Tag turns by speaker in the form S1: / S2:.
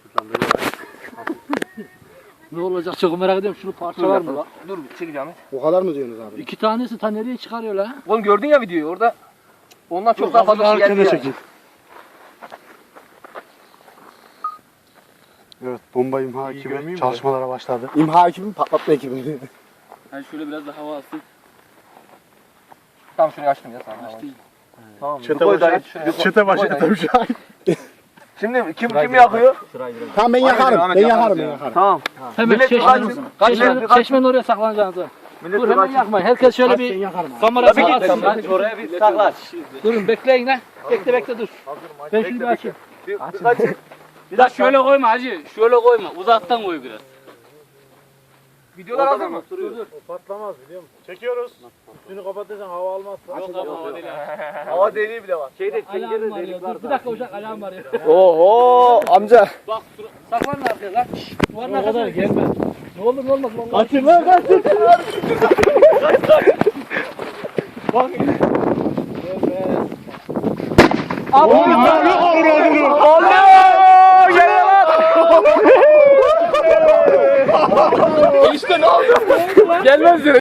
S1: Ne olacak çok merak ediyorum. Şunu parça var mı lan?
S2: Dur çekeceğim.
S3: O kadar mı diyorsunuz abi?
S1: 2 tanesi ta nereye çıkarıyor la?
S2: Oğlum gördün ya videoyu orada. Ondan çok daha fazla şey geldi ya.
S3: Evet, bomba imha ekibi çalışmalara başladı. İmha ekibi mi, patlatma ekibi mi?
S1: Yani şöyle biraz da hava alsın.
S2: Tamam şunu açtım ya sana.
S1: Açtım.
S2: Tamam.
S3: Çete başı şahit.
S2: Şimdi kim yakıyor?
S3: Tamam ben yakarım. Ben yakarım.
S2: Tamam.
S1: Hemen
S2: Millet
S1: çeşmenin
S2: kaç-
S1: oraya saklanacaksınız.
S2: Millet
S1: Dur hemen
S2: kaç-
S1: yakmayın. Herkes şöyle
S3: Ben
S1: bir
S3: yakarım.
S1: kamera
S2: Tabii ki
S1: saklansın.
S2: oraya bir saklar.
S1: Durun bekleyin lan. Bekle dur. Ben şunu bir açayım.
S4: Biraz şöyle koyma hacı. Şöyle koyma. Uzaktan koy biraz.
S2: Videolar hazır mı?
S5: Patlamaz biliyor musun? Çekiyoruz. Üstünü kapatırsan hava almazsa.
S4: Yok ama o değil.
S2: Hava deliği bile var.
S1: Alarm arıyor. Dur bir dakika uşak alarm arıyor.
S2: Oho amca.
S1: Bak saklanın arkaya lan. Duvarın arkasına gelme. Ne olur ne olmaz vallahi. Kaçın lan kaçın. Bak.
S2: Allah! Gel lan! İşte ne oldu? Gelmez